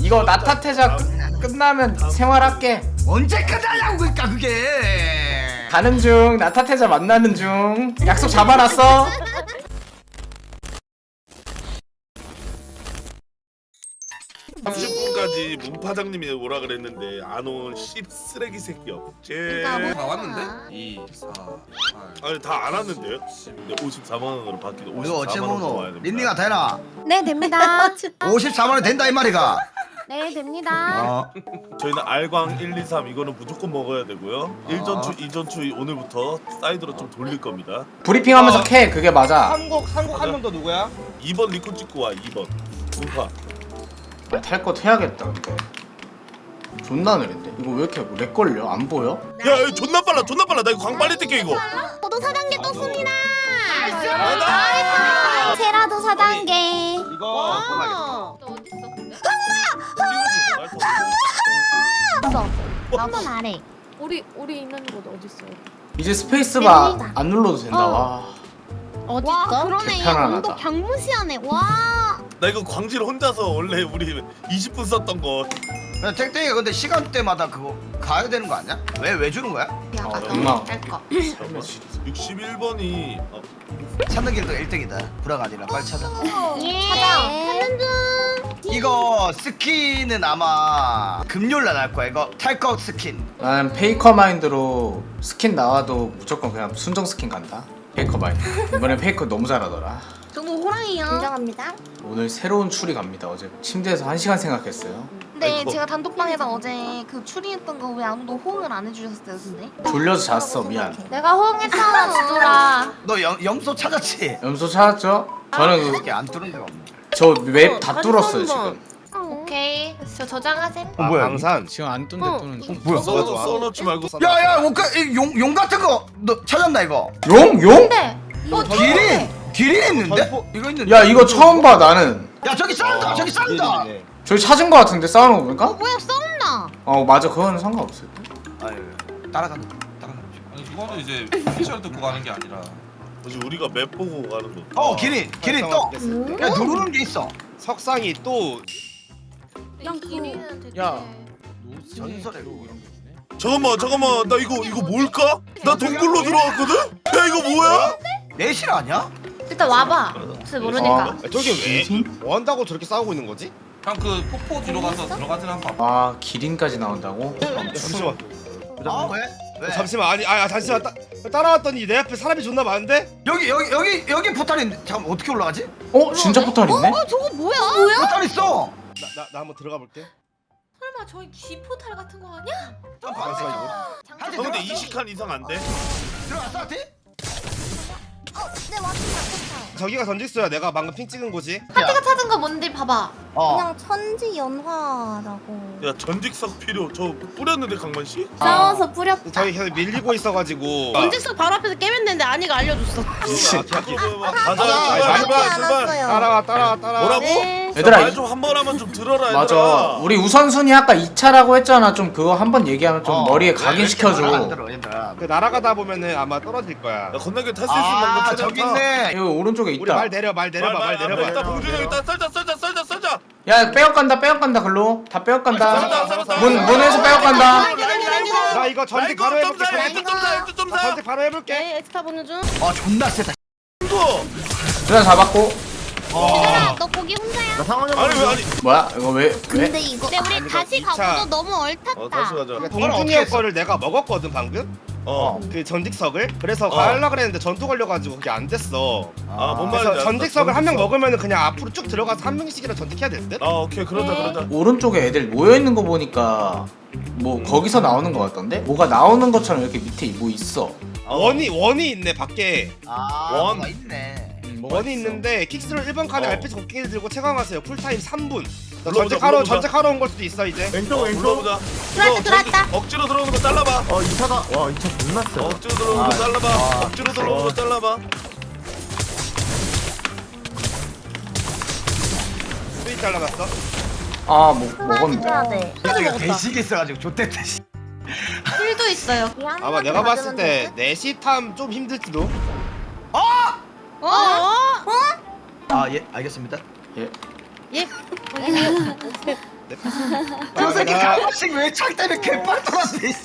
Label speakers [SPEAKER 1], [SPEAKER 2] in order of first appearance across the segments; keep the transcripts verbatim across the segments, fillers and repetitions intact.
[SPEAKER 1] 이거 나타태자 끝, 끝나면 생활할게.
[SPEAKER 2] 언제 끝나냐고 그니까 그게.
[SPEAKER 1] 가는 중. 나타태자 만나는 중. 약속 잡아놨어.
[SPEAKER 3] 삼십 분까지 문파장님이 오라 그랬는데 안 온 씹쓰레기 새끼 없지.
[SPEAKER 4] 다 왔는데? 이, 사, 팔.
[SPEAKER 3] 아니 다 안 왔는데요? 근데 오십사만 원으로 바뀌고
[SPEAKER 2] 이거 어째
[SPEAKER 3] 오십사만 원 더 와야
[SPEAKER 2] 모노
[SPEAKER 3] 됩니다.
[SPEAKER 2] 린니가 되나?
[SPEAKER 5] 네 됩니다.
[SPEAKER 2] 오십사만 원 된다 이 말이가.
[SPEAKER 5] 네 됩니다.
[SPEAKER 2] 어.
[SPEAKER 3] 저희는 알광 일, 이, 삼 이거는 무조건 먹어야 되고요. 일 전추, 이 전추 오늘부터 사이드로 좀 돌릴 겁니다.
[SPEAKER 1] 브리핑하면서 캐. 그게 맞아.
[SPEAKER 6] 한국 한국 한 명 더 누구야?
[SPEAKER 3] 이 번 리콘 찍고 와. 이 번 문파.
[SPEAKER 1] 아, 탈 것 해야겠다. 근데 존나 느린데. 이거 왜 이렇게 렉 걸려? 안 보여?
[SPEAKER 3] 야, 야 존나 빨라 존나 빨라. 나 이거 광 빨리 뛸게 이거.
[SPEAKER 5] 저도 사 단계 떴습니다.
[SPEAKER 3] 나이스!
[SPEAKER 5] 세라도 사 단계.
[SPEAKER 6] 이거
[SPEAKER 5] 없어. 한번 아래.
[SPEAKER 7] 우리 우리 있는 곳 어디 있어요?
[SPEAKER 1] 이제 스페이스바
[SPEAKER 5] 됩니다.
[SPEAKER 1] 안 눌러도 된다. 와.
[SPEAKER 5] 어디 와 그러네.
[SPEAKER 1] 개편안하다.
[SPEAKER 5] 온도 경무시하네. 와.
[SPEAKER 3] 나 이거 광질 혼자서 원래 우리 이십 분 썼던 거.
[SPEAKER 2] 야, 땡땡이가 근데 시간대마다 그거 가야 되는 거 아니야? 왜 왜 주는 거야?
[SPEAKER 1] 어, 엉망.
[SPEAKER 3] 육십일 번이 어,
[SPEAKER 2] 찾는 길도 일 등이다. 불화가 아니라 빨리 찾아.
[SPEAKER 5] 예. 찾아. 찾는 중.
[SPEAKER 2] 이거 스킨은 아마 금요일 날 할 거야. 이거 탈것 스킨.
[SPEAKER 1] 난 페이커 마인드로 스킨 나와도 무조건 그냥 순정 스킨 간다. 페이커 마인드. 이번에 페이커 너무 잘하더라.
[SPEAKER 5] 저도 호랑이요. 인정합니다.
[SPEAKER 1] 오늘 새로운 추리 갑니다. 어제 침대에서 한 시간 생각했어요.
[SPEAKER 8] 근데
[SPEAKER 3] 아이고.
[SPEAKER 8] 제가 단톡방에서 어제 그 추리했던 거 왜 아무도 호응을 안 해주셨어요, 근데?
[SPEAKER 1] 졸려서 잤어. 미안.
[SPEAKER 7] 내가 호응했잖아 지돌아.
[SPEAKER 2] 너 염, 염소 찾았지?
[SPEAKER 1] 염소 찾았죠? 저는
[SPEAKER 2] 이렇게 안 뚫은 데가 없네.
[SPEAKER 1] 그 저 웹 다 뚫었어요 지금.
[SPEAKER 7] 오케이. 저 저장하셈.
[SPEAKER 6] 아,
[SPEAKER 2] 뭐야,
[SPEAKER 6] 방산.
[SPEAKER 1] 지금 안 뚫는데
[SPEAKER 7] 어.
[SPEAKER 1] 뚫는.
[SPEAKER 2] 뭐야?
[SPEAKER 3] 써놓, 써놓지 말고.
[SPEAKER 2] 야야 옷가 용, 용 같은 거 너 찾았나 이거?
[SPEAKER 1] 용? 용?
[SPEAKER 7] 네. 어
[SPEAKER 2] 기린! 기린 있는데?
[SPEAKER 6] 전포-
[SPEAKER 2] 이거 있는데?
[SPEAKER 1] 야 이거 처음 봐 나는.
[SPEAKER 2] 야 저기 싸운다 저기 싸운다.
[SPEAKER 1] 저기 찾은 거 같은데 싸우는 거 보니까?
[SPEAKER 5] 뭐야 싸운다.
[SPEAKER 1] 어 맞아 그거는 상관없을 때.
[SPEAKER 2] 아유 따라간다 따라간다.
[SPEAKER 4] 아니 그거는 이제 피셜 듣고 가는 게 아니라
[SPEAKER 3] 뭐지 우리가 맵 보고 가는 거.
[SPEAKER 2] 어 기린 기린 또. 야 누르는 게 있어.
[SPEAKER 6] 석상이 또
[SPEAKER 7] 그냥 길이는 되게.
[SPEAKER 1] 야.
[SPEAKER 2] 전설의 루.
[SPEAKER 3] 잠깐만 잠깐만 나 이거 이거 뭘까? 나 동굴로 들어왔거든? 야 이거 뭐야?
[SPEAKER 2] 내실 아니야?
[SPEAKER 7] 일단 와봐. 잘 모르니까.
[SPEAKER 6] 아, 저게 왜? 뭐 한다고 저렇게 싸우고 있는 거지?
[SPEAKER 4] 그냥 그 폭포 뒤로 가서 들어가진 않고
[SPEAKER 1] 아 기린까지 나온다고?
[SPEAKER 6] 잠시만.
[SPEAKER 2] 어 왜? 왜?
[SPEAKER 6] 잠시만 아니 아 잠시만 따, 따라왔더니 내 앞에 사람이 존나 많은데?
[SPEAKER 2] 여기 여기 여기 여기 포탈 있는데 잠깐 어떻게 올라가지?
[SPEAKER 1] 어? 진짜 포탈 있네?
[SPEAKER 5] 저거 뭐야? 뭐야?
[SPEAKER 2] 포탈 있어.
[SPEAKER 6] 나 나 나 한번 들어가 볼게.
[SPEAKER 7] 설마 저기 쥐포탈 같은 거 아니야?
[SPEAKER 2] 점프 안
[SPEAKER 6] 잠시만
[SPEAKER 2] 돼.
[SPEAKER 6] 이거.
[SPEAKER 2] 한대
[SPEAKER 3] 형 근데
[SPEAKER 2] 들어갔어?
[SPEAKER 3] 이십 칸 이상 안 돼?
[SPEAKER 2] 들어갔어 한테?
[SPEAKER 5] 네 왔습니다.
[SPEAKER 6] 저기가 던질수야 내가 방금 핑 찍은 거지.
[SPEAKER 7] 하트가 찾은 거 뭔지 봐봐.
[SPEAKER 2] 어.
[SPEAKER 5] 그냥 천지 연화라고.
[SPEAKER 3] 야 전직석 필요 저 뿌렸는데 강만 씨?
[SPEAKER 7] 싸워서 뿌렸다.
[SPEAKER 6] 저기 계속 밀리고 있어가지고.
[SPEAKER 8] 전직석 바로 앞에서 깨면 되는데 아니가 알려줬어.
[SPEAKER 3] 가자
[SPEAKER 6] 아니,
[SPEAKER 3] 출발
[SPEAKER 6] 많이
[SPEAKER 3] 출발 출발.
[SPEAKER 6] 따라와 따라와 따라와.
[SPEAKER 3] 뭐라고?
[SPEAKER 7] 네.
[SPEAKER 1] 얘들아,
[SPEAKER 3] 말 좀 한 번 하면 좀 들어라 얘들아.
[SPEAKER 1] 맞아. 우리 우선순위 아까 이 차라고 했잖아. 좀 그거 한번 얘기하면 좀
[SPEAKER 2] 어.
[SPEAKER 1] 머리에
[SPEAKER 2] 왜
[SPEAKER 1] 각인시켜줘.
[SPEAKER 2] 이렇게 말안 들어, 얘들아.
[SPEAKER 6] 그 날아가다 보면은 아마 떨어질 거야.
[SPEAKER 3] 야 건너게 탈 수 있으면
[SPEAKER 2] 아
[SPEAKER 3] 방금
[SPEAKER 2] 저기
[SPEAKER 3] 찾아봐.
[SPEAKER 2] 있네.
[SPEAKER 1] 여기 오른쪽에
[SPEAKER 6] 우리
[SPEAKER 1] 있다.
[SPEAKER 6] 말 내려 말 내려봐 말
[SPEAKER 3] 일단
[SPEAKER 6] 내려봐.
[SPEAKER 3] 봉준이 형 일단 썰자 썰자 썰자 썰자.
[SPEAKER 1] 야 빼앗간다 빼앗간다 글로. 다
[SPEAKER 3] 썰자,
[SPEAKER 1] 빼앗간다.
[SPEAKER 3] 썰자.
[SPEAKER 1] 문 문에서 빼앗간다.
[SPEAKER 6] 나 이거 전직 바로 해볼게.
[SPEAKER 3] 점사 점사
[SPEAKER 6] 나
[SPEAKER 3] 점사.
[SPEAKER 6] 전직 바로 해볼게.
[SPEAKER 8] 네, 엑스타 보는 중.
[SPEAKER 2] 아 존나 세다.
[SPEAKER 1] 누나 잡았고.
[SPEAKER 5] 얘들아 너 거기 혼자야?
[SPEAKER 3] 아니 왜 아니?
[SPEAKER 1] 뭐야 이거 왜 왜?
[SPEAKER 5] 근데 이거 근데 우리
[SPEAKER 6] 아니,
[SPEAKER 5] 다시
[SPEAKER 6] 이거 이 차.
[SPEAKER 5] 가고도 너무 얼탔다.
[SPEAKER 3] 어 다시 가자.
[SPEAKER 6] 그러니까 동준이 형 거를 내가 먹었거든 방금.
[SPEAKER 3] 어.
[SPEAKER 6] 그 전직석을. 그래서
[SPEAKER 3] 어.
[SPEAKER 6] 가려고 그랬는데 전투 걸려가지고 그게 안 됐어.
[SPEAKER 3] 아뭔
[SPEAKER 6] 그래서
[SPEAKER 3] 말인지
[SPEAKER 6] 전직석을 한 명
[SPEAKER 3] 알았어.
[SPEAKER 6] 먹으면은 그냥 앞으로 쭉 들어가서 한 명씩이랑 전직해야 될 듯?
[SPEAKER 3] 아 오케이 그러자 그러자.
[SPEAKER 1] 오른쪽에 애들 모여 있는 거 보니까 뭐 거기서 나오는 거 같던데? 뭐가 나오는 것처럼 이렇게 밑에 뭐 있어.
[SPEAKER 6] 원이 원이 있네 밖에.
[SPEAKER 2] 아
[SPEAKER 3] 원.
[SPEAKER 2] 뭐가 있네.
[SPEAKER 1] 음, 뭐가
[SPEAKER 6] 원이
[SPEAKER 1] 있어.
[SPEAKER 6] 있는데 킥스로 일 번 칸에
[SPEAKER 3] 어.
[SPEAKER 6] 알피지 곡괭이를 들고 체감하세요. 쿨타임 삼 분. 너
[SPEAKER 3] 불러보자,
[SPEAKER 6] 전직하러
[SPEAKER 3] 불러보자.
[SPEAKER 6] 전직하러 온 걸 수도 있어 이제.
[SPEAKER 3] 왼쪽 왼쪽. 불러보자.
[SPEAKER 5] 들어왔다,
[SPEAKER 3] 이거
[SPEAKER 5] 들어왔다.
[SPEAKER 3] 저기 억지로 들어오는 거 잘라봐.
[SPEAKER 9] 어 이 차가 와 이 차 존나 세.
[SPEAKER 3] 억지로 들어오는 거
[SPEAKER 2] 아,
[SPEAKER 3] 잘라봐.
[SPEAKER 2] 아.
[SPEAKER 3] 억지로 들어오는 거 잘라봐.
[SPEAKER 6] 스윗 잘라놨어.
[SPEAKER 1] 아뭐 먹었는데.
[SPEAKER 5] 해야 돼.
[SPEAKER 2] 이거 대식이 있어가지고 좆됐다. 씨.
[SPEAKER 7] 힐도 있어요.
[SPEAKER 6] 아마 내가 봤을 때 넷이 탐 좀 힘들지도.
[SPEAKER 8] 어? 어?
[SPEAKER 2] 아 예 알겠습니다.
[SPEAKER 1] 예.
[SPEAKER 8] 예?
[SPEAKER 2] 저 새끼 가만씩 왜창 때문에 개빨 돌았네.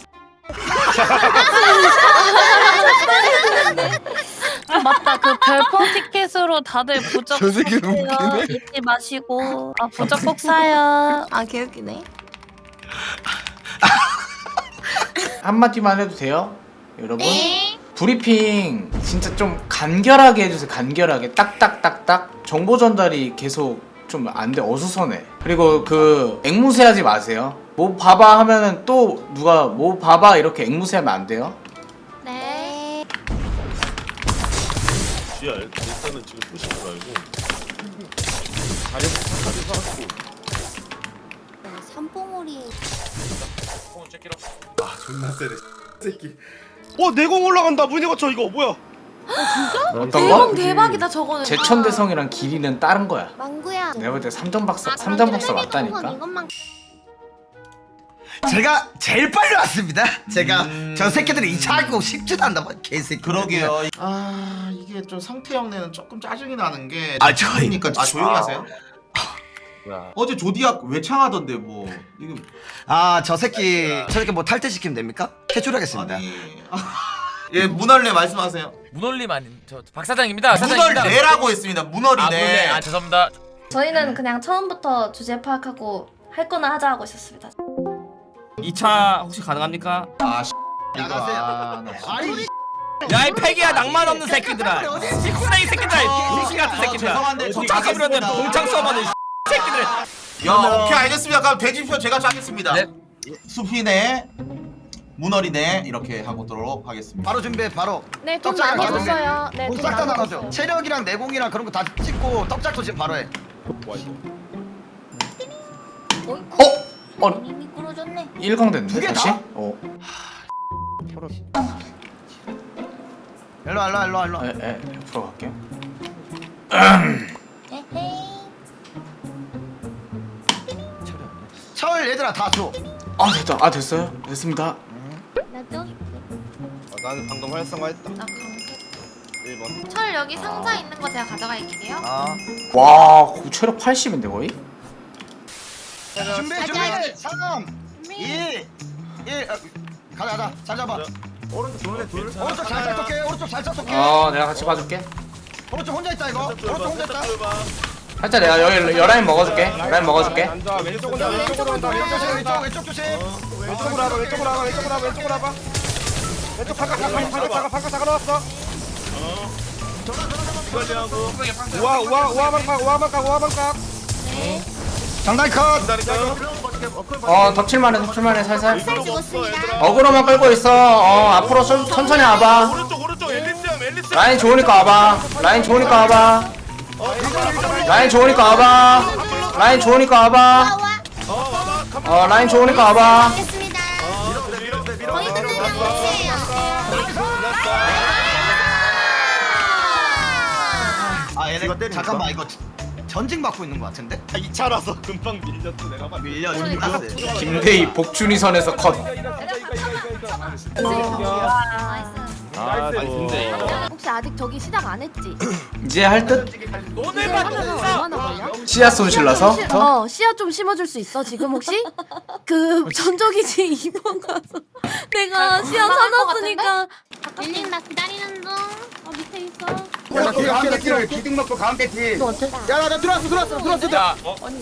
[SPEAKER 8] 맞다. 그 별풍 티켓으로 다들 부적
[SPEAKER 9] 저 새끼
[SPEAKER 8] 사세요.
[SPEAKER 9] 웃기네.
[SPEAKER 8] 잊지 마시고. 아 부적 꼭 사요.
[SPEAKER 7] 아 개웃기네.
[SPEAKER 1] 한마디만 해도 돼요? 여러분?
[SPEAKER 5] 네.
[SPEAKER 1] 브리핑 진짜 좀 간결하게 해주세요. 간결하게 딱딱딱딱 정보 전달이 계속 좀 안 돼. 어수선해. 그리고 그 앵무새하지 마세요. 뭐 봐봐 하면은 또 누가 뭐 봐봐 이렇게 앵무새하면 안 돼요.
[SPEAKER 5] 네.
[SPEAKER 3] 지야 일단은 지금 부시는 거 알고 자리에서 차까지 살았고
[SPEAKER 5] 삼봉우리.
[SPEAKER 9] 아 존나 세네 새끼.
[SPEAKER 6] 어 내공 올라간다. 문이 거쳐 이거 뭐야?
[SPEAKER 1] 어떤
[SPEAKER 7] 대박
[SPEAKER 1] 거?
[SPEAKER 7] 대박이다 저거는.
[SPEAKER 1] 제천대성이랑 길이는 다른 거야.
[SPEAKER 5] 망구야.
[SPEAKER 1] 내가 볼 때 삼점 박사
[SPEAKER 5] 아,
[SPEAKER 1] 삼점 박사
[SPEAKER 5] 그럼
[SPEAKER 1] 맞다니까.
[SPEAKER 5] 이것만.
[SPEAKER 2] 제가 제일 빨리 왔습니다. 제가 저 새끼들이 이 차 하고 쉽지도 않다 봐 개새끼.
[SPEAKER 9] 그러게요. 아 이게 좀 성태형네는 조금 짜증이 나는 게.
[SPEAKER 2] 아, 저희-
[SPEAKER 9] 그러니까 아 조용히 하세요. 어제 조디악 외창하던데 뭐 이거
[SPEAKER 2] 아 저 새끼 저 새끼 뭐 탈퇴시키면 됩니까? 퇴출하겠습니다.
[SPEAKER 9] 아니 예 문얼레 말씀하세요.
[SPEAKER 10] 문얼림 아닌 저 박 사장입니다. 사장입니다.
[SPEAKER 9] 문얼레라고 했습니다.
[SPEAKER 10] 아,
[SPEAKER 9] 문얼이네.
[SPEAKER 10] 문얼레. 아 죄송합니다.
[SPEAKER 7] 저희는 그냥 처음부터 주제 파악하고 할 거나 하자 하고 있었습니다.
[SPEAKER 10] 이 차 혹시 가능합니까?
[SPEAKER 9] 아 씨. 이거
[SPEAKER 2] 나가세요.
[SPEAKER 9] 아, 나 진짜.
[SPEAKER 2] 아니
[SPEAKER 10] 야 이 패기야 낭만 없는 새끼들아. 식스레이 새끼들아. 이 같은
[SPEAKER 9] 아,
[SPEAKER 10] 새끼들아.
[SPEAKER 9] 죄송한데 저
[SPEAKER 10] 자기들한테
[SPEAKER 9] 짜겠습니다.
[SPEAKER 10] 동창 써봐는 새끼들.
[SPEAKER 9] 야 오케이 알겠습니다. 그럼 대진표 제가 짜겠습니다.
[SPEAKER 10] 네.
[SPEAKER 9] 수피네 문얼이네 이렇게 하고도록 하겠습니다.
[SPEAKER 2] 바로 준비해 바로.
[SPEAKER 7] 네, 돈
[SPEAKER 2] 떡장
[SPEAKER 7] 많이
[SPEAKER 2] 나눠줘.
[SPEAKER 7] 줬어요. 네, 돈
[SPEAKER 2] 싹다
[SPEAKER 7] 많이
[SPEAKER 2] 나눠줘.
[SPEAKER 7] 줬어요.
[SPEAKER 2] 체력이랑 내공이랑 그런 거 다 찍고 떡작도 지금 바로 해.
[SPEAKER 6] 와 이거.
[SPEAKER 1] 어? 어?
[SPEAKER 5] 이미 끌어줬네.
[SPEAKER 1] 일 강 됐는데
[SPEAKER 2] 두 개
[SPEAKER 1] 다시?
[SPEAKER 2] 다?
[SPEAKER 1] 어.
[SPEAKER 2] 일로 와, 일로 와, 일로 와, 일로 와.
[SPEAKER 1] 에, 에, 옆으로 갈게요.
[SPEAKER 5] 에헤이.
[SPEAKER 2] 철 얘들아 다 줘.
[SPEAKER 1] 아 됐다. 아 됐어요. 됐습니다.
[SPEAKER 5] 나도.
[SPEAKER 6] 아, 나는 방금 활성화했다.
[SPEAKER 7] 나 강제.
[SPEAKER 6] 일 번.
[SPEAKER 7] 철 여기 상자 있는 거 제가 가져갈게요.
[SPEAKER 2] 아.
[SPEAKER 1] 와, 그 체력 팔십인데 거의?
[SPEAKER 2] 준비 준비. 삼, 이, 일. 아, 가자 가자. 잘 잡아.
[SPEAKER 9] 오른쪽 둘에 둘.
[SPEAKER 2] 오른쪽 잘 잡게. 오른쪽 잘 잡게.
[SPEAKER 1] 어, 내가 같이 봐줄게.
[SPEAKER 2] 오른쪽 혼자 있다 이거. 오른쪽 혼자 있다.
[SPEAKER 1] 살짝 내가 여기 열라인 먹어줄게. 라인 먹어줄게.
[SPEAKER 6] 앉아. 왼쪽으로 온다. 왼쪽으로 온다.
[SPEAKER 2] 왼쪽 조심.
[SPEAKER 6] 왼쪽으로
[SPEAKER 2] 왼쪽
[SPEAKER 6] 온다.
[SPEAKER 2] 왼쪽 조심.
[SPEAKER 6] 왼쪽으로 와봐. 왼쪽으로 와봐. 왼쪽으로 와봐. 왼쪽으로 와봐. 왼쪽 바깥 바깥 바깥 바깥 바깥 바깥 나왔어.
[SPEAKER 3] 이관리하고
[SPEAKER 6] 우와 우와 우와만 각 우와만 각 우와만 각.
[SPEAKER 2] 장단 컷.
[SPEAKER 3] 기다릴까요?
[SPEAKER 1] 어, 덮칠만해, 덮칠만해, 살살.
[SPEAKER 5] 살 죽었습니다.
[SPEAKER 1] 어그로만 끌고 있어. 어, 앞으로 천, 천천히 와봐.
[SPEAKER 3] 오른쪽 오른쪽 앨리스형 앨리스
[SPEAKER 1] 라인 좋으니까 와봐. 라인 좋으니까 와봐. 라인 좋으니까 와봐. 라인 좋으니까 와봐. 어, 라인 좋으니까 와봐.
[SPEAKER 5] 알겠습니다. 거의 끝나면 끝이에요.
[SPEAKER 2] 아 얘네 잠깐만 이거 전직 받고 있는 거 같은데?
[SPEAKER 6] 아, 이 차라서 금방 밀렸어 내가 봐.
[SPEAKER 2] 밀려
[SPEAKER 7] 그러니까.
[SPEAKER 2] 밀렸어.
[SPEAKER 1] 김대희 복준이 선에서 컷.
[SPEAKER 6] 아 근데
[SPEAKER 7] 혹시 아직 저기 시작 안 했지?
[SPEAKER 1] 이제 할 듯?
[SPEAKER 10] 오늘 봐.
[SPEAKER 7] 얼마나 걸려?
[SPEAKER 1] 씨앗 손실라서?
[SPEAKER 7] 어, 씨앗 좀 심어줄 수 있어 지금 혹시? 그 전적이지 이 번 가서 내가 씨앗 사놨으니까.
[SPEAKER 5] 밀린 나 기다리는 중. 어 밑에 있어.
[SPEAKER 2] 가운데 길 기둥 넣고 가운데 길.
[SPEAKER 7] 너 어때?
[SPEAKER 2] 야나 나 들어왔어 들어왔어 들어왔어.
[SPEAKER 10] 야,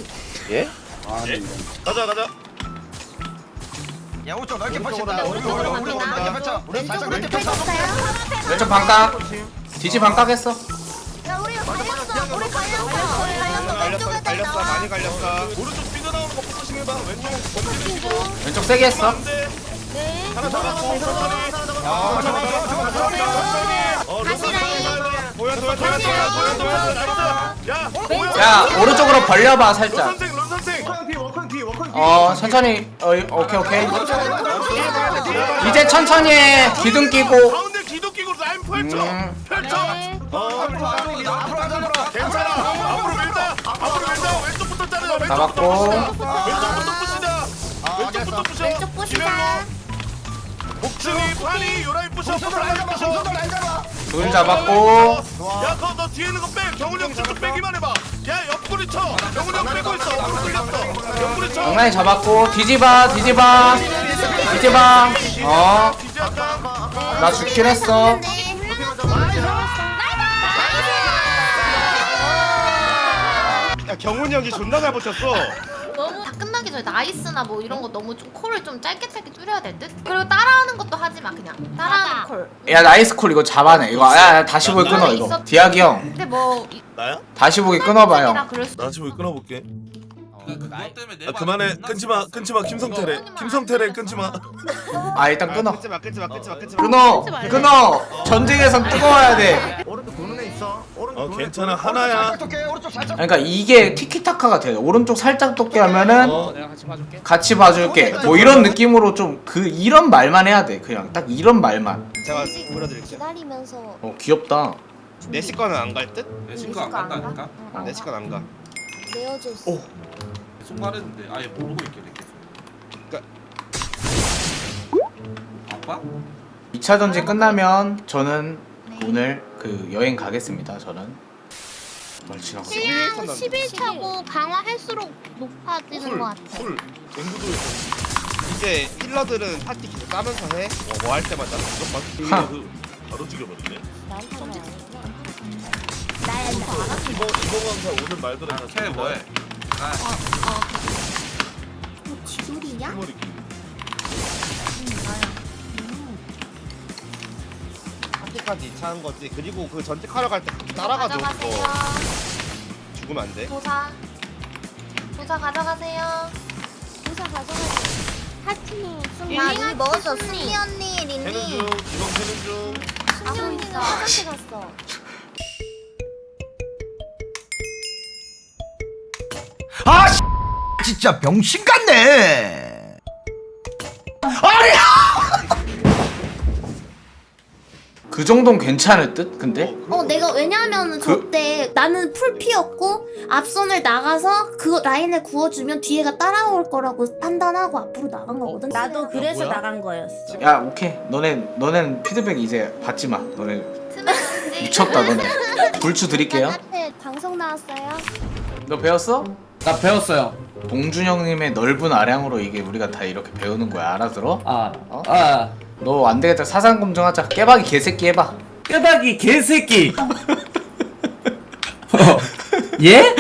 [SPEAKER 3] 가자 가자
[SPEAKER 2] 야 오른쪽 넓게 펼친다. 오른쪽 오른쪽 오른쪽 넓게 펼쳐. 우리 살짝 넓게 펼쳐.
[SPEAKER 1] 왼쪽 반각. 뒤지 반각 했어.
[SPEAKER 5] 야 우리 갈렸어. 우리 갈렸어. 우리 갈렸어. 왼쪽에
[SPEAKER 6] 갈렸어 많이 갈렸어.
[SPEAKER 3] 오른쪽 삐져나오는 거 포커싱 해봐 왼쪽 멈추고
[SPEAKER 1] 왼쪽 세게 했어.
[SPEAKER 3] 안돼
[SPEAKER 5] 네.
[SPEAKER 3] 하나 잡았고 천천히
[SPEAKER 2] 아 잡아 잡아 잡아 잡아 잡아.
[SPEAKER 3] 어
[SPEAKER 5] 다시 라인.
[SPEAKER 3] 도야 도야 도야 도야 도야 도야 나이스 야 도야
[SPEAKER 1] 야, 오른쪽으로 벌려봐,
[SPEAKER 3] 런
[SPEAKER 1] 살짝.
[SPEAKER 3] 선생 런 선생
[SPEAKER 1] 어, 천천히. 어, 오케이, 오케이. 이제 천천히 해. 기둥 끼고.
[SPEAKER 3] 가운데 기도 끼고 라인 펼쳐
[SPEAKER 1] 음.
[SPEAKER 3] 펼쳐
[SPEAKER 5] 네.
[SPEAKER 3] 어
[SPEAKER 2] 앞으로 가자 앞으로 가자.
[SPEAKER 3] 괜찮아 앞으로 밀자 앞으로 밀자 왼쪽부터 자르자
[SPEAKER 1] 잡았고.
[SPEAKER 3] 왼쪽부터 왼쪽부터 부시자 왼쪽부터 부셔
[SPEAKER 5] 왼쪽 부시자.
[SPEAKER 3] 목충이 판이 요라인 부셔
[SPEAKER 2] 손으로 날 잡아 손으로 날 잡아.
[SPEAKER 1] 둘 잡았고.
[SPEAKER 3] 야, 너, 너 뒤에 있는 거 빼. 경훈이 형 저쪽 빼기만 해봐. 야, 옆구리 영구리 쳐. 영구리 형 빼고 있어. 영구리 뚫렸어. 영구리 쳐.
[SPEAKER 1] 장난이 잡았고 뒤집어 뒤집어 뒤집어. 어, 나 죽긴 했어.
[SPEAKER 6] 야 경훈이 형이 존나 잘 버텼어.
[SPEAKER 8] 너무 다 끝나기 전에 나이스나 뭐 이런 거 너무 좀 콜을 좀 짧게 짧게 줄여야 될 듯? 그리고 따라하는 것도 하지 마 그냥 따라하는 콜.
[SPEAKER 1] 야 나이스 콜 이거 잡아내 이거. 야, 야 다시 보기 끊어 이거. 디아기 형
[SPEAKER 8] 근데 뭐 이-
[SPEAKER 3] 나야?
[SPEAKER 1] 다시 보기 끊어봐 형.
[SPEAKER 8] 그럴 수
[SPEAKER 3] 나 지금 끊어볼게.
[SPEAKER 4] 그것 때문에 내
[SPEAKER 3] 아, 그만해. 끊지 마. 끊지 마. 김성태래. 김성태래 끊지 마.
[SPEAKER 1] 아 일단 끊어.
[SPEAKER 6] 끊지 마 끊지 마 끊지 마 끊지 마.
[SPEAKER 1] 끊어 끊어. 전쟁에선 뜨거워야 돼.
[SPEAKER 9] 오른쪽 도는 애 있어. 오른쪽
[SPEAKER 3] 어
[SPEAKER 9] 도는 애
[SPEAKER 3] 괜찮아.
[SPEAKER 9] 있어.
[SPEAKER 3] 하나야.
[SPEAKER 2] 오케이 오른쪽 살짝.
[SPEAKER 1] 그러니까 이게 티키타카가 돼. 오른쪽 살짝 돋게 하면은
[SPEAKER 3] 어.
[SPEAKER 6] 내가 같이 봐줄게.
[SPEAKER 1] 같이 봐줄게. 뭐 이런 느낌으로 좀 그 이런 말만 해야 돼. 그냥 딱 이런 말만.
[SPEAKER 6] 제가 보여드릴게요.
[SPEAKER 5] 기다리면서
[SPEAKER 1] 어 귀엽다.
[SPEAKER 6] 내시 거는 안 갈 듯?
[SPEAKER 4] 내 친구 안 간다니까.
[SPEAKER 1] 어.
[SPEAKER 6] 내시 건 안 가.
[SPEAKER 5] 내어줬어.
[SPEAKER 1] 오.
[SPEAKER 4] 계속 말했는데 아예 모르고 있길래 계속. 아빠?
[SPEAKER 1] 이 차 전쟁 끝나면 저는 오늘 그 여행 가겠습니다. 저는. 뭘 지나가.
[SPEAKER 6] 일
[SPEAKER 5] 십 일 차고 강화할수록 높아지는 것 같아.
[SPEAKER 3] 술. 앵구도 있어.
[SPEAKER 6] 이제 힐러들은 파티 계속 까면서 해. 뭐 할 때마다 무조건.
[SPEAKER 1] 하.
[SPEAKER 3] 그 바로 죽여버리네.
[SPEAKER 5] 나야 나.
[SPEAKER 3] 이번 이번 강사 오늘 말들은 다
[SPEAKER 4] 캐 뭐해? 아,
[SPEAKER 5] 지돌이냐?
[SPEAKER 3] 머리 길.
[SPEAKER 6] 파티까지 이 차 한 거지. 그리고 그 전직하러 갈 때 따라가줘.
[SPEAKER 8] 가져가세요.
[SPEAKER 6] 그거 죽으면 안 돼.
[SPEAKER 8] 도사 도사 가져가세요.
[SPEAKER 5] 도사 가져가자. 하트님, 순이
[SPEAKER 8] 야,
[SPEAKER 5] 언니 먹었어.
[SPEAKER 8] 순이.
[SPEAKER 5] 순이 언니,
[SPEAKER 3] 캐는 중.
[SPEAKER 5] 린니.
[SPEAKER 3] 이번 캐는 중.
[SPEAKER 5] 순이 언니는 화장실 갔어.
[SPEAKER 2] 아 씨, 진짜 병신 같네.
[SPEAKER 1] 그 정도는 괜찮을 듯? 근데?
[SPEAKER 5] 어, 내가 왜냐하면은
[SPEAKER 1] 그-
[SPEAKER 5] 저때 나는 풀피였고 앞선을 나가서 그 라인을 구워주면 뒤에가 따라올 거라고 판단하고 앞으로 나간 거거든.
[SPEAKER 7] 나도 그래서
[SPEAKER 1] 뭐야?
[SPEAKER 7] 나간 거였어.
[SPEAKER 1] 야 오케이. 너네 너넨 피드백 이제 받지 마. 너네
[SPEAKER 8] 틈에
[SPEAKER 1] 미쳤다 너네. 불추 드릴게요.
[SPEAKER 5] 앞에 방송 나왔어요.
[SPEAKER 1] 너 배웠어?
[SPEAKER 11] 나 배웠어요.
[SPEAKER 1] 동준 형님의 넓은 아량으로 이게 우리가 다 이렇게 배우는 거야. 알아들어?
[SPEAKER 11] 아,
[SPEAKER 1] 어?
[SPEAKER 11] 아,
[SPEAKER 1] 너 안 되겠다. 사상 검증하자. 깨박이 개새끼 해봐.
[SPEAKER 11] 끄박이 개새끼. 어, 예?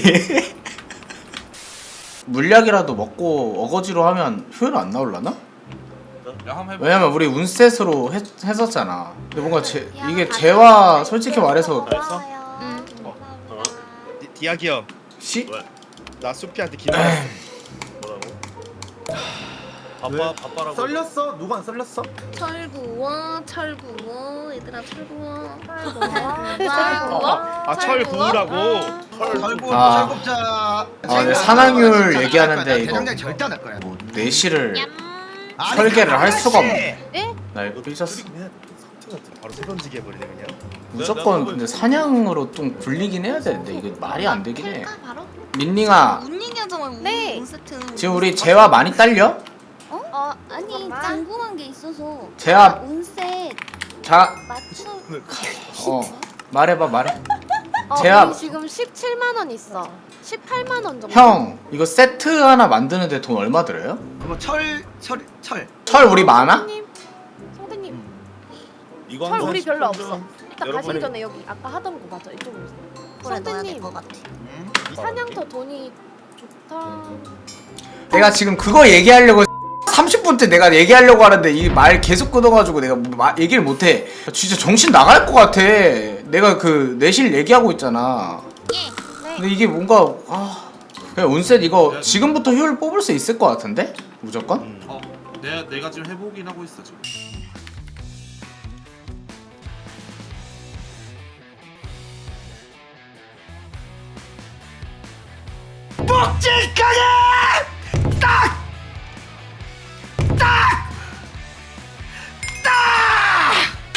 [SPEAKER 1] 물약이라도 먹고 어거지로 하면 효율 안 나올라나?
[SPEAKER 4] 야 한번 해봐.
[SPEAKER 1] 왜냐면 우리 운셋으로 했, 했었잖아. 근데 뭔가 제, 이게 재화 솔직히 말해서
[SPEAKER 5] 고마워요.
[SPEAKER 8] 응.
[SPEAKER 5] 감사합니다.
[SPEAKER 6] 디- 디아기 형.
[SPEAKER 1] 씨?
[SPEAKER 3] 왜?
[SPEAKER 6] 나 수피한테 기다렸어.
[SPEAKER 3] 뭐라고? 바빠 바빠라고.
[SPEAKER 9] 썰렸어? 누가 안 썰렸어?
[SPEAKER 8] 철구워 철구워 얘들아 철구워
[SPEAKER 6] 아, 철 구우라고.
[SPEAKER 2] 철구
[SPEAKER 1] 아.
[SPEAKER 2] 철급자.
[SPEAKER 1] 아, 근데 산악률 얘기하는데 이거
[SPEAKER 2] 대장장 절대 안 할 거야.
[SPEAKER 1] 뭐 내시를
[SPEAKER 2] 아니,
[SPEAKER 1] 설계를 할 수가
[SPEAKER 2] 아저씨.
[SPEAKER 1] 없네. 나 이거 삐졌어.
[SPEAKER 3] 그리긴 해야 돼. 상태 같은.
[SPEAKER 6] 바로 세 던지게 해버리네 그냥.
[SPEAKER 1] 무조건 근데 사냥으로 좀 굴리긴 해야 되는데 이게 말이 안 되긴 해.
[SPEAKER 8] 텔까 바로?
[SPEAKER 1] 민닝아
[SPEAKER 8] 운 얘기하자 말고
[SPEAKER 5] 네.
[SPEAKER 8] 운세트
[SPEAKER 1] 지금 우리 재화 많이 딸려?
[SPEAKER 5] 어? 어, 아니 궁금한 게 있어서.
[SPEAKER 1] 제가-
[SPEAKER 5] 아, 운셋
[SPEAKER 1] 자,
[SPEAKER 5] 맞춰.
[SPEAKER 1] 어 말해봐 말해.
[SPEAKER 7] 어,
[SPEAKER 1] 제가-
[SPEAKER 7] 우리 지금 십칠만 원 있어. 십팔만 원 정도.
[SPEAKER 1] 형 이거 세트 하나 만드는데 돈 얼마 들어요?
[SPEAKER 2] 그럼 철철 철.
[SPEAKER 1] 철 우리 많아?
[SPEAKER 7] 성대님, 성대님,
[SPEAKER 3] 이거
[SPEAKER 7] 철
[SPEAKER 3] 한번
[SPEAKER 7] 우리 별로
[SPEAKER 3] 스폰 좀.
[SPEAKER 7] 없어. 일단
[SPEAKER 3] 여러분이-
[SPEAKER 7] 가시기 전에 여기 아까 하던 거 맞아. 이쪽으로 오세요.
[SPEAKER 8] 그래 넣어야
[SPEAKER 7] 성대님,
[SPEAKER 8] 될것 같아.
[SPEAKER 7] 사냥터 돈이 좋다.
[SPEAKER 1] 내가 지금 그거 얘기하려고 삼십 분째 내가 얘기하려고 하는데 이 말 계속 끊어가지고 내가 뭐 마, 얘기를 못해. 진짜 정신 나갈 것 같아. 내가 그 내실 얘기하고 있잖아. 근데 이게 뭔가 아 그냥 운셋 이거 지금부터 효율 뽑을 수 있을 것 같은데? 무조건?
[SPEAKER 4] 어, 내가 내가 지금 해보긴 하고 있어 지금.
[SPEAKER 2] 묵직하게 딱! 딱! 딱!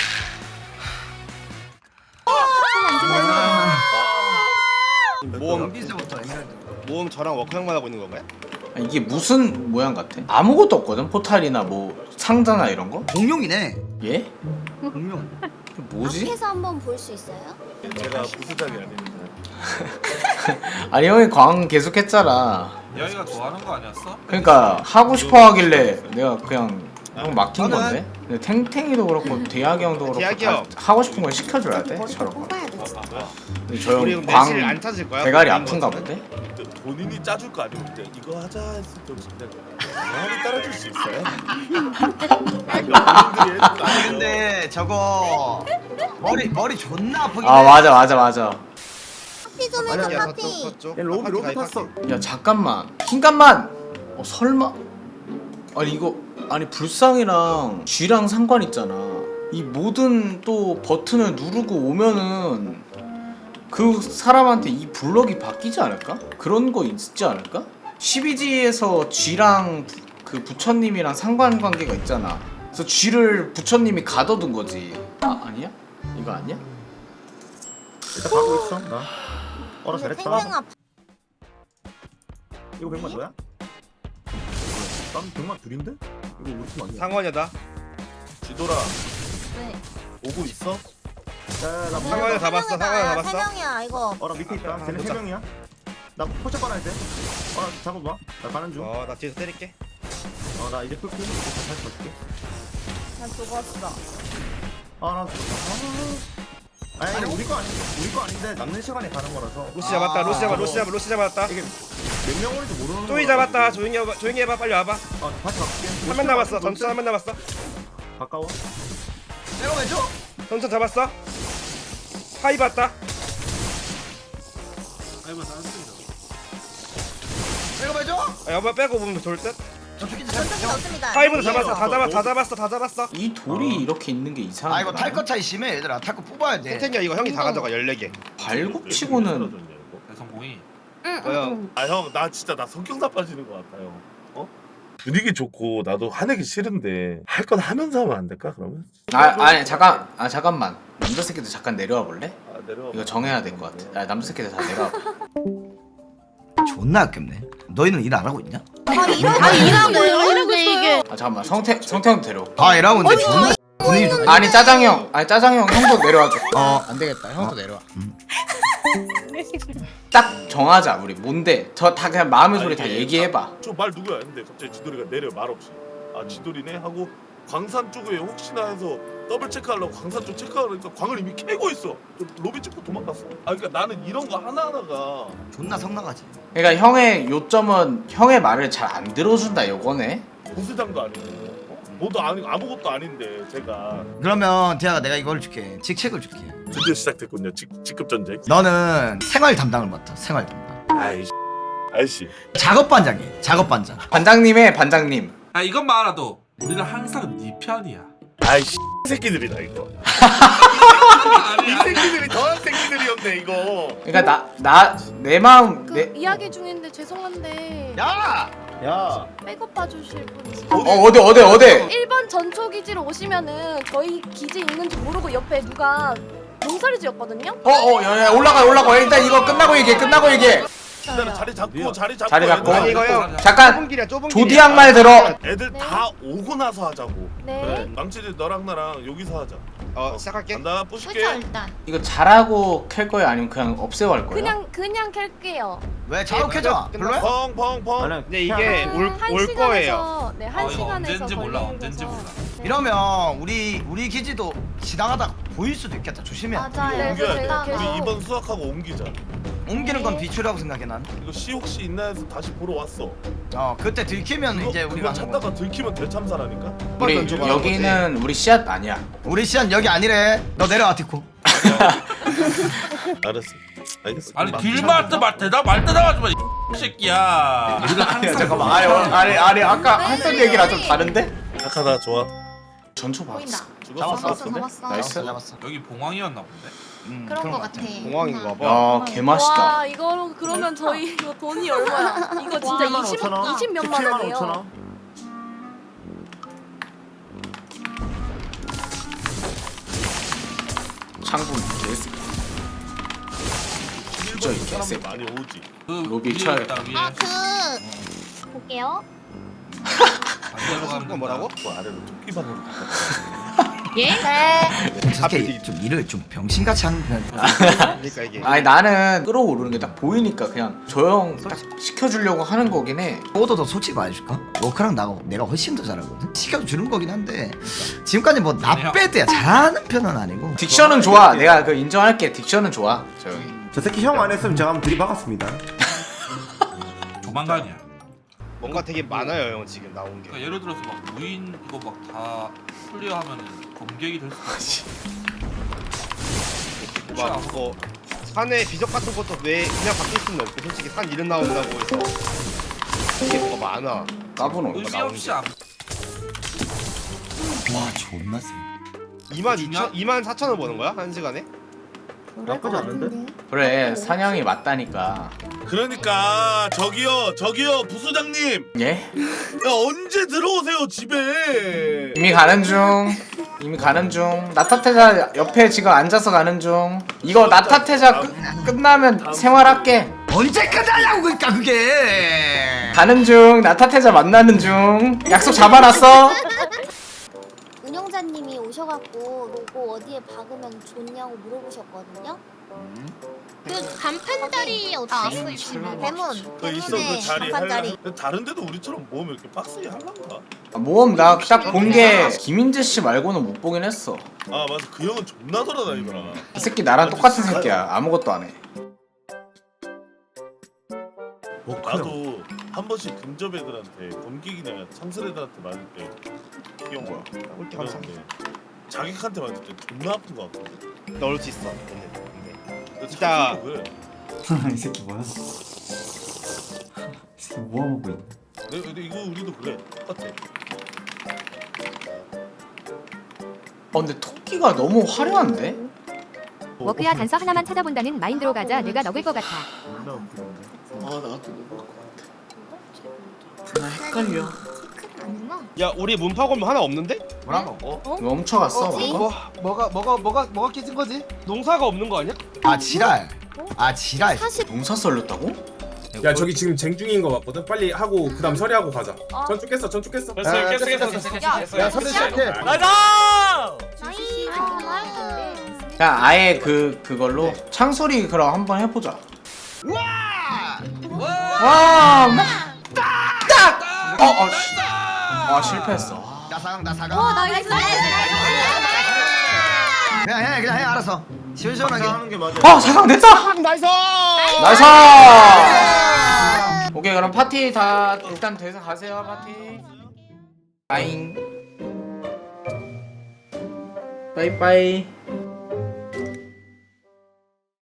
[SPEAKER 6] 모험
[SPEAKER 2] 연비서부터 에메랄드.
[SPEAKER 6] 모험 저랑 워크형만 하고 있는 건가요?
[SPEAKER 1] 아, 이게 무슨 모양 같아? 아무것도 없거든? 포탈이나 뭐 상자나 이런 거?
[SPEAKER 2] 공룡이네.
[SPEAKER 1] 예?
[SPEAKER 2] 공룡.
[SPEAKER 1] 뭐지?
[SPEAKER 5] 앞에서 한번 볼 수 있어요?
[SPEAKER 3] 제가 부수작이 아닙니다.
[SPEAKER 1] 아니 형이 광 계속했잖아.
[SPEAKER 4] 여기가 좋아하는 거 아니었어?
[SPEAKER 1] 그러니까 하고 싶어 하길래 내가 그냥 형 맡긴
[SPEAKER 2] 저는-
[SPEAKER 1] 건데. 근데 탱탱이도 그렇고 대학이 형도 그렇고
[SPEAKER 6] 대학이
[SPEAKER 1] 다
[SPEAKER 6] 형.
[SPEAKER 1] 하고 싶은 걸 시켜줘야 돼.
[SPEAKER 5] 머리 좀
[SPEAKER 1] 저런 거.
[SPEAKER 5] 뽑아야 돼.
[SPEAKER 1] 근데 저
[SPEAKER 6] 우리
[SPEAKER 1] 형
[SPEAKER 6] 그럼 내실 안
[SPEAKER 1] 광
[SPEAKER 6] 찾을 거야?
[SPEAKER 1] 대가리
[SPEAKER 6] 그런
[SPEAKER 1] 아픈가
[SPEAKER 6] 거는?
[SPEAKER 1] 본데?
[SPEAKER 3] 본인이 짜줄 거 아니고 이제 이거 하자 했을 때 진짜 영원히 따라줄 수 있어요? 아니 본인들이 해줄 거 아니에요.
[SPEAKER 2] 근데 저거 머리 머리 존나 아프긴
[SPEAKER 1] 아
[SPEAKER 2] 해.
[SPEAKER 1] 맞아 맞아 맞아.
[SPEAKER 5] 파티 좀 해줘
[SPEAKER 6] 아니야
[SPEAKER 5] 파티.
[SPEAKER 6] 섰죠 섰죠.
[SPEAKER 9] 로비 로비 탔어.
[SPEAKER 1] 야 잠깐만 흰간만. 어 설마. 아니 이거 아니 불상이랑 쥐랑 상관 있잖아. 이 모든 또 버튼을 누르고 오면은 그 사람한테 이 블럭이 바뀌지 않을까? 그런 거 있지 않을까? 십이지에서 쥐랑 부- 그 부처님이랑 상관관계가 있잖아. 그래서 쥐를 부처님이 가둬둔 거지. 아 아니야? 이거 아니야?
[SPEAKER 9] 일단 가고 있어. 나. 어라 잘했다.
[SPEAKER 5] 생명아
[SPEAKER 9] 이거 백만 너야? 난 백만 둘인데? 이거 우리 팀 아니야?
[SPEAKER 6] 상원이다.
[SPEAKER 3] 지돌아
[SPEAKER 7] 네.
[SPEAKER 3] 오고 있어?
[SPEAKER 9] 야나
[SPEAKER 6] 상원이 잡았어. 상원이 잡았어.
[SPEAKER 5] 세 명이야 이거.
[SPEAKER 9] 어라 밑에 있다. 쟤네 세
[SPEAKER 6] 보자.
[SPEAKER 9] 명이야. 나 포착 받아야 돼. 어라 잡아봐. 나 가는 중.
[SPEAKER 6] 어, 나 뒤에서 때릴게.
[SPEAKER 9] 어 나 이제 풀피. 다시 갈게.
[SPEAKER 5] 난 죽었어.
[SPEAKER 9] 아나 아. 아니 근데 우리 거 아닌데 우리 거 아닌데 남는 시간에 가는 거라서
[SPEAKER 6] 로시 잡았다. 로시 잡아. 로시 잡아. 로시 잡았다.
[SPEAKER 9] 이게 몇 명 오는지 모르는
[SPEAKER 6] 쪼이
[SPEAKER 9] 거라
[SPEAKER 6] 잡았다.
[SPEAKER 9] 가지고.
[SPEAKER 6] 조용히 해봐. 조용히 해봐. 빨리 와봐.
[SPEAKER 9] 어 다시 갈게.
[SPEAKER 6] 한 명 남았어. 전투 한 명 남았어.
[SPEAKER 9] 가까워.
[SPEAKER 2] 내가 왜 줘?
[SPEAKER 6] 전투 잡았어. 하이 봤다.
[SPEAKER 4] 아이고 나왔습니다.
[SPEAKER 2] 내가 왜 줘?
[SPEAKER 6] 아, 여보 빼고 보면 돌 듯.
[SPEAKER 2] 저쪽이
[SPEAKER 5] 전투기 없습니다.
[SPEAKER 6] 하이브도 잡았어. 다 잡았어. 다 잡았어. 다 잡았어.
[SPEAKER 1] 이 돌이 이렇게 있는 게 이상한
[SPEAKER 2] 아 이거
[SPEAKER 1] 거야.
[SPEAKER 2] 탈 것 차이 심해 얘들아. 탈 거 뽑아야 돼.
[SPEAKER 6] 탱탱이야 이거 형이 다 가져가. 열네 개.
[SPEAKER 1] 발굽치고는
[SPEAKER 4] 대성공이.
[SPEAKER 5] 응,
[SPEAKER 6] 뭐야?
[SPEAKER 5] 응.
[SPEAKER 3] 아 형 나 진짜 나 성격 나빠지는 것 같아요. 어? 분위기 좋고 나도 화내기 싫은데 할 건 하면서 하면 안 될까 그러면?
[SPEAKER 1] 아 아니 잠깐 아 잠깐만 남자 새끼들 잠깐 내려와 볼래?
[SPEAKER 3] 아, 내려와.
[SPEAKER 1] 이거 정해야 될 것 같아. 아, 남자 새끼들 다 내려와.
[SPEAKER 2] 존나 아깝네. 너희는 일 안 하고 있냐?
[SPEAKER 5] 아니 이러고
[SPEAKER 7] 아니,
[SPEAKER 5] 이러고
[SPEAKER 7] 이러고
[SPEAKER 5] 이러고 이게.
[SPEAKER 1] 아 잠깐만 성태 성태형 데려.
[SPEAKER 2] 아 일하고 있는데 존나 분위기 좋.
[SPEAKER 1] 아니 짜장형 아니 짜장형 형도 내려와줘.
[SPEAKER 2] 어.
[SPEAKER 1] 안 되겠다 형도 내려와. 딱 정하자 우리 뭔데? 저 다 그냥 마음의 소리 다 얘기해봐.
[SPEAKER 3] 저말 누구야? 근데 갑자기 지돌이가 내려 말 없이. 아 지돌이네 하고 광산 쪽에 혹시나 해서 더블 체크하려고 광산 쪽 체크하려니까 광을 이미 캐고 있어. 저 로비 찍고 도망갔어. 아 그러니까 나는 이런 거 하나 하나가
[SPEAKER 2] 존나 성나가지.
[SPEAKER 1] 그러니까 형의 요점은 형의 말을 잘 안 들어준다 요거네.
[SPEAKER 3] 보스장도 아니고 어? 뭐도 아니고 아무것도 아닌데 제가
[SPEAKER 2] 그러면 대아가 내가 이걸 줄게. 직책을 줄게.
[SPEAKER 3] 드디어 시작됐군요. 직, 직급 전쟁.
[SPEAKER 2] 너는 생활 담당을 맡아. 생활 담당.
[SPEAKER 3] 아이씨 아이씨
[SPEAKER 2] 작업 반장이야. 작업 반장.
[SPEAKER 1] 반장님의 반장님.
[SPEAKER 4] 아 이것만 알아도 우리는 항상 네 편이야.
[SPEAKER 3] 아이씨 새끼들이다 이거. 이 새끼들이 더한 새끼들이었네 이거.
[SPEAKER 1] 그러니까 나 나 내 마음
[SPEAKER 7] 그
[SPEAKER 1] 내
[SPEAKER 7] 이야기 중인데 죄송한데
[SPEAKER 2] 야!
[SPEAKER 9] 야.
[SPEAKER 7] 백업 봐주실 분 있어요?
[SPEAKER 1] 어 어디 어디 어디?
[SPEAKER 7] 일 번 전초 기지로 오시면은 저희 기지 있는지 모르고 옆에 누가 몸서리 지었거든요?
[SPEAKER 1] 어어 야야 올라가 올라가 일단 이거 끝나고 얘기해 끝나고 얘기해.
[SPEAKER 3] 일단 자리 잡고 자리 잡고
[SPEAKER 1] 자리 잡고.
[SPEAKER 3] 애들,
[SPEAKER 6] 아니 이거 형.
[SPEAKER 1] 잠깐
[SPEAKER 6] 좁은 길이야. 좁은 길이야.
[SPEAKER 1] 조디양 말 들어.
[SPEAKER 3] 애들
[SPEAKER 7] 네.
[SPEAKER 3] 다 오고 나서 하자고.
[SPEAKER 7] 네.
[SPEAKER 3] 그래. 망치들 너랑 나랑 여기서 하자.
[SPEAKER 6] 어 시작할게.
[SPEAKER 3] 간다
[SPEAKER 8] 그쵸
[SPEAKER 3] 뿌실게.
[SPEAKER 8] 일단.
[SPEAKER 1] 이거 잘하고 캘 거야 아니면 그냥 없애고 할 거야?
[SPEAKER 7] 그냥 그냥 캘게요.
[SPEAKER 2] 왜 자욱해져? 별로야?
[SPEAKER 3] 펑펑펑.
[SPEAKER 6] 근데 이게 올
[SPEAKER 7] 한
[SPEAKER 6] 올
[SPEAKER 7] 시간에서,
[SPEAKER 6] 거예요.
[SPEAKER 7] 네, 한
[SPEAKER 4] 어, 이거
[SPEAKER 7] 시간에서
[SPEAKER 4] 언젠지 몰라,
[SPEAKER 7] 걸리는
[SPEAKER 4] 언젠지
[SPEAKER 7] 거죠.
[SPEAKER 4] 몰라.
[SPEAKER 7] 네.
[SPEAKER 2] 이러면 우리 우리 기지도 지나가다 보일 수도 있겠다. 조심해야 돼.
[SPEAKER 8] 맞아요.
[SPEAKER 7] 네,
[SPEAKER 3] 옮겨야
[SPEAKER 7] 제가
[SPEAKER 3] 돼.
[SPEAKER 7] 계속-
[SPEAKER 3] 우리 이번 수학하고 옮기자.
[SPEAKER 2] 옮기는 건 비추라고 생각해 난.
[SPEAKER 3] 이거 시 혹시 있나 해서 다시 보러 왔어.
[SPEAKER 2] 어 그때 들키면
[SPEAKER 3] 그거,
[SPEAKER 2] 이제 우리가
[SPEAKER 3] 그거
[SPEAKER 2] 하는
[SPEAKER 3] 찾다가
[SPEAKER 2] 거지.
[SPEAKER 3] 들키면 대참사라니까.
[SPEAKER 1] 우리
[SPEAKER 2] 던져봐,
[SPEAKER 1] 여기는 우리 씨앗 아니야.
[SPEAKER 2] 우리 시안 여기 아니래. 너 내려와 티코.
[SPEAKER 3] 알았어. 알겠어.
[SPEAKER 4] 아니
[SPEAKER 3] 막-
[SPEAKER 4] 길말때 말 대답 말 대답하지 마. 이 새끼야. 우리는 항상
[SPEAKER 1] 잠깐만 아니 아니 아니 아까 했던 얘기랑 좀 다른데?
[SPEAKER 3] 착하다 좋아.
[SPEAKER 1] 전초
[SPEAKER 8] 보인다.
[SPEAKER 1] 봤어.
[SPEAKER 3] 죽었어.
[SPEAKER 8] 잡았어 잡았어.
[SPEAKER 1] 나이스.
[SPEAKER 2] 잡았어.
[SPEAKER 4] 여기 봉황이었나 본데.
[SPEAKER 2] 음,
[SPEAKER 8] 그런 거
[SPEAKER 2] 것
[SPEAKER 8] 같아.
[SPEAKER 6] 공항인가 봐.
[SPEAKER 1] 야 개맛있다.
[SPEAKER 7] 와 이거 그러면 저희 이거 돈이 얼마야? 이거 진짜
[SPEAKER 5] 와,
[SPEAKER 7] 이십
[SPEAKER 9] 오천 원.
[SPEAKER 7] 이십 몇만
[SPEAKER 9] 십칠만
[SPEAKER 7] 원이에요.
[SPEAKER 9] 오천 원.
[SPEAKER 1] 창분 개새. 진짜 이
[SPEAKER 3] 사람들
[SPEAKER 1] 개새.
[SPEAKER 3] 많이 오지.
[SPEAKER 4] 그
[SPEAKER 1] 로비
[SPEAKER 4] 위에
[SPEAKER 1] 쳐야겠다.
[SPEAKER 4] 있다, 위에.
[SPEAKER 5] 아그 볼게요.
[SPEAKER 4] 반대로 가면
[SPEAKER 6] 그건 뭐라고?
[SPEAKER 3] 그 아래로 토끼 반으로.
[SPEAKER 8] 예? 네.
[SPEAKER 2] 솔직히 좀 일을 좀 병신같이 하는 편.
[SPEAKER 6] 그러니까 이게
[SPEAKER 1] 아니 나는 끌어오르는 게 딱 보이니까 그냥 조용 딱 시켜주려고 하는 거긴 해.
[SPEAKER 2] 너도 더 솔직히 말해줄까? 로크랑 나가 내가 훨씬 더 잘하거든. 시켜주는 거긴 한데 지금까지 뭐 나 빼도야 잘하는 편은 아니고.
[SPEAKER 1] 딕션은 좋아. 내가 그 인정할게. 딕션은 좋아. 조용히.
[SPEAKER 9] 저 새끼 형 안 했으면 제가 한번 들이박았습니다.
[SPEAKER 4] 조만간이야.
[SPEAKER 6] 뭔가 되게 많아요 형 지금 나온 게.
[SPEAKER 4] 그러니까 예를 들어서 막 무인 이거 막 다 클리어하면은 검객이 될 수가 있어.
[SPEAKER 6] 막 그거 산에 비적 같은 것도 왜 그냥 밖에 있으면 없고 솔직히 산 이름 나온다고 해서 이게 뭐가 많아.
[SPEAKER 1] 까부노.
[SPEAKER 4] 의미 없이 안.
[SPEAKER 2] 와 존나 세.
[SPEAKER 6] 이만 이천, 이만 사천 원 버는 거야 한 시간에?
[SPEAKER 5] 그럴 것 같은데.
[SPEAKER 1] 그래 사냥이 맞다니까.
[SPEAKER 3] 그러니까 저기요 저기요 부소장님
[SPEAKER 1] 예?
[SPEAKER 3] 야 언제 들어오세요 집에.
[SPEAKER 1] 이미 가는 중. 이미 가는 중. 나타테자 옆에 지금 앉아서 가는 중. 이거 나타테자 끝, 끝나면 생활할게.
[SPEAKER 2] 언제 끝나냐고 그러니까 그게.
[SPEAKER 1] 가는 중. 나타테자 만나는 중. 약속 잡아놨어.
[SPEAKER 5] 운영자님이 오셔갖고 로고 어디에 박으면 좋냐고 물어보셨거든요.
[SPEAKER 8] 그 간판다리 어떻게? 대문.
[SPEAKER 3] 그 있어 그 자리
[SPEAKER 5] 간판다리.
[SPEAKER 3] 할라. 다른 데도 우리처럼 모험 이렇게 빡세게 하려나?
[SPEAKER 1] 아, 모험 나 딱 본 게 김인재 씨 말고는 못 보긴 했어.
[SPEAKER 3] 아 맞아 그 형은 존나 돌아다니더라.
[SPEAKER 1] 이 새끼 나랑 똑같은 새끼야. 아무것도 안 해.
[SPEAKER 3] 나도 한 번씩 근접 애들한테 검객이나 상설 애들한테 맞을 때 귀여운 거야.
[SPEAKER 6] 꼴찌 감사.
[SPEAKER 3] 그런데 자객한테 맞을 때 존나 아픈 거 같거든.
[SPEAKER 6] 넣을 수 있어. 근데, 근데. 진짜-
[SPEAKER 3] 그래.
[SPEAKER 11] 이 새끼 뭐야? 이 새끼 뭐 하고 있냐?
[SPEAKER 3] 내- 근데 이거 우리도 그래 똑같아.
[SPEAKER 1] 어 근데 토끼가 너무 화려한데?
[SPEAKER 7] 워크야 단서 하나만 찾아본다는 마인드로 가자. 내가 먹을 것 같아.
[SPEAKER 1] 아 나도 먹을 것 같아. 나 헷갈려.
[SPEAKER 5] 아니구나.
[SPEAKER 6] 야 우리 문파골 하나 없는데?
[SPEAKER 1] 뭐라고? 어? 멈춰갔어
[SPEAKER 5] 뭐지?
[SPEAKER 1] 방금?
[SPEAKER 6] 뭐 뭐가 뭐가 뭐가 뭐가 깨진 거지? 농사가 없는 거 아니야?
[SPEAKER 2] 아 지랄. 아 지랄.
[SPEAKER 5] 사실
[SPEAKER 1] 농사 썰렸다고?
[SPEAKER 12] 야 저기 지금 쟁중인 거 같거든. 빨리 하고 그다음 처리하고 가자. 전축 깼어 전축 깼어.
[SPEAKER 6] 깼어 깼어 깼어. 야 선대 시작해.
[SPEAKER 10] 나가!
[SPEAKER 5] 나이 아,
[SPEAKER 1] 야 아예 그 그걸로 창소리 그럼 한번 해보자. 와, 막 딱. 어, 어, 씨. 아 실패했어.
[SPEAKER 2] 나 사강 나 사강.
[SPEAKER 5] 와 나이스.
[SPEAKER 2] 그냥 해 그냥 해 알았어. 시원시원하게.
[SPEAKER 9] 하는 게 맞아.
[SPEAKER 1] 어 사강 됐다.
[SPEAKER 6] 나이스.
[SPEAKER 1] 나이스. 오케이 그럼 파티 다 일단 돼서 가세요 파티. 빠잉. 빠이빠이.